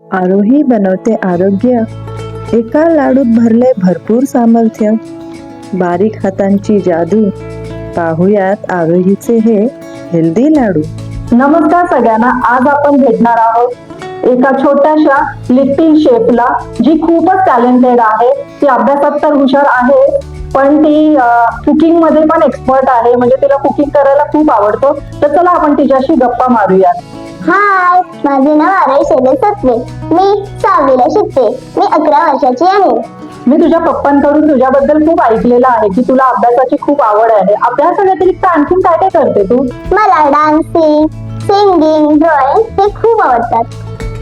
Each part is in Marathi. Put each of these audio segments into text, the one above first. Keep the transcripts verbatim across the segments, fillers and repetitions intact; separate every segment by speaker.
Speaker 1: आरोही बनवते आरोग्य, एका लाडूत भरले भरपूर सामर्थ्य. बारीक हातांची जादू, पाहुयात आरोहीचे हे हेल्दी लाडू.
Speaker 2: नमस्कार सगळ्यांना. आज आपण भेटणार आहोत एका छोट्याशा लिटिल शेफला, जी खूपच टॅलेंटेड आहे. ती अभ्यासात तर हुशार आहे, पण ती कुकिंग मध्ये पण एक्सपर्ट आहे. म्हणजे तिला कुकिंग करायला खूप आवडतो. तर चला आपण तिच्याशी गप्पा मारूयात.
Speaker 3: हाय, माझे नाव आरोही शैलेश सत्वे. मी सहावीला शिकते. मी अकरा वर्षाची आहे.
Speaker 2: मी तुझ्या पप्पांकडून तुझ्याबद्दल खूप ऐकलेलं आहे की तुला अभ्यासाची खूप आवड आहे. अभ्यासा व्यतिरिक्त आणखीन काय काय करते तू?
Speaker 3: मला डान्सिंग, सिंगिंग, ड्रॉइंग हे खूप आवडतात.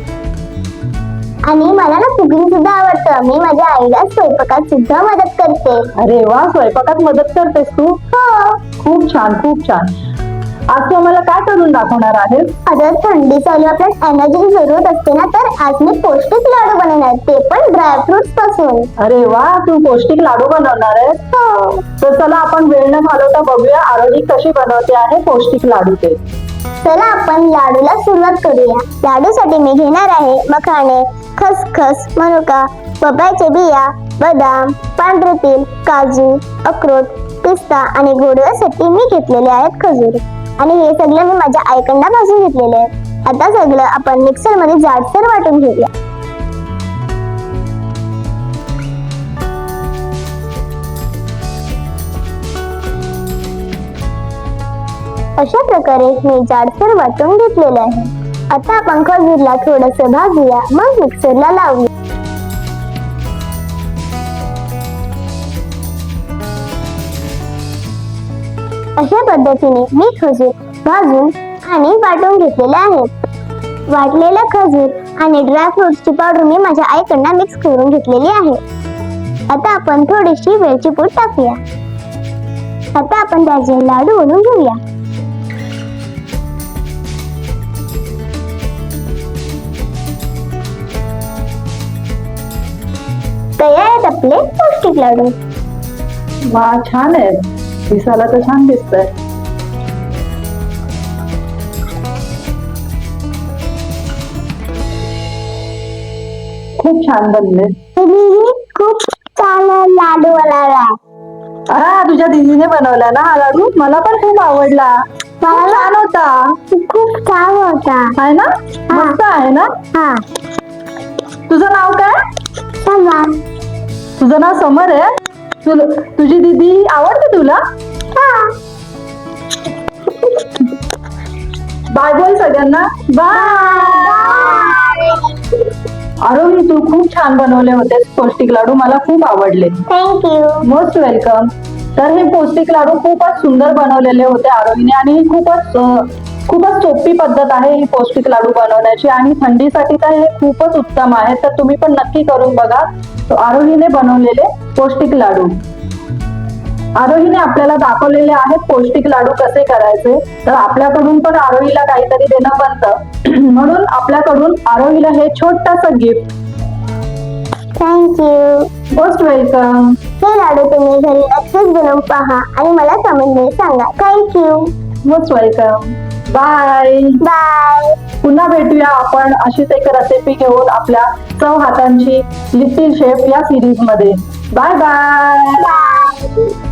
Speaker 3: आणि मला ना कुकिंग सुद्धा आवडतं. मी माझ्या आईला स्वयंपाकात सुद्धा मदत करते.
Speaker 2: अरे वा, स्वयंपाकात मदत करतेस तू?
Speaker 3: हो.
Speaker 2: खूप छान, खूप छान. आज तू आम्हाला काय करून दाखवणार आहेस?
Speaker 3: आता थंडी चालू, आपल्याला एनर्जी जरूरत असते ना, तर आज मी पौष्टिक लाडू बनवणार, ते पण ड्रायफ्रुट्स पासून.
Speaker 2: अरे वा, तू पौष्टिक लाडू बनवणार आहेस?
Speaker 3: हो.
Speaker 2: तर चला आपण वेळ न घालवता बघूया आरोही कशी बनवते आहे पौष्टिक लाडू ते.
Speaker 3: चला आपण लाडूला सुरुवात करूया. लाडूसाठी मी घेणार आहे मखाणे, खसखस, मनुका, पपईचे बिया, बदाम, पांढरे तीळ, काजू, अक्रोड, पिस्ता आणि गोडव्यासाठी मी घेतलेले आहेत खजूर. आणि हे सगळं मी माझ्या आईकडनं भाजून घेतलेले आहे. आता सगळं आपण मिक्सर मध्ये जाडसर वाटून घेऊया. अशा प्रकारे मी जाडसर वाटून घेतलेलं आहे. आता आपण खजूरला थोडस भाजूया, मग मिक्सरला लावूया. अशा पद्धतीने मी खजूर भाजून आणि वाटून घेतलेले आहेत. वाटलेला खजूर आणि ड्रायफ्रुट्सची पावडर मी माझ्या आईकडनं मिक्स करून घेतलेली आहे. आता आपण थोडीशी वेलची पूड टाकूया. आता आपण त्याचे लाडू बनवून घेऊया. तयार आहेत आपले पौष्टिक लाडू.
Speaker 2: वा, छान आहे. दिसायला तर छान दिसतंय. खूप छान बनले.
Speaker 3: खूप छान लाडू बनवला.
Speaker 2: हा, तुझ्या दीदीने बनवला ना हा लाडू? मला पण खूप आवडला. खूप छान होता.
Speaker 3: खूप छान होता.
Speaker 2: आहे ना? मस्त आहे ना?
Speaker 3: हा.
Speaker 2: तुझं नाव काय?
Speaker 3: समर.
Speaker 2: तुझं नाव समर आहे? तुला तुझी दीदी आवडते तुला?
Speaker 3: हा.
Speaker 2: बाय बोल सगळ्यांना. बाय. आरोही, तू खूप छान बनवले होते पौष्टिक लाडू. मला खूप आवडले.
Speaker 3: थँक्यू.
Speaker 2: Most welcome. तर हे पौष्टिक लाडू खूपच सुंदर बनवलेले होते आरोहीने, आणि ही खूपच खूपच सोपी पद्धत आहे ही पौष्टिक लाडू बनवण्याची. आणि थंडीसाठी तर हे खूपच उत्तम आहे. तर तुम्ही पण नक्की करून बघा आरोहीने बनवलेले पौष्टिक लाडू. आरोहीने आपल्याला दाखवलेले आहेत पौष्टिक लाडू कसे करायचे. तर आपल्याकडून पण आरोहीला काहीतरी देणं बनतं, म्हणून आपल्याकडून आरोहीला हे छोटंसं गिफ्ट.
Speaker 3: थँक्यू.
Speaker 2: Most welcome.
Speaker 3: हे लाडू तुम्ही घरी नक्कीच बनवून पहा आणि मला कमेंटमध्ये सांगा. Thank you.
Speaker 2: Most welcome. Bye
Speaker 3: bye.
Speaker 2: पुन्हा भेटूया आपण अशीच एक रेसिपी घेऊन आपल्या चव हातांची लिटिल शेफ या सिरीज मध्ये. Bye bye.
Speaker 3: बाय.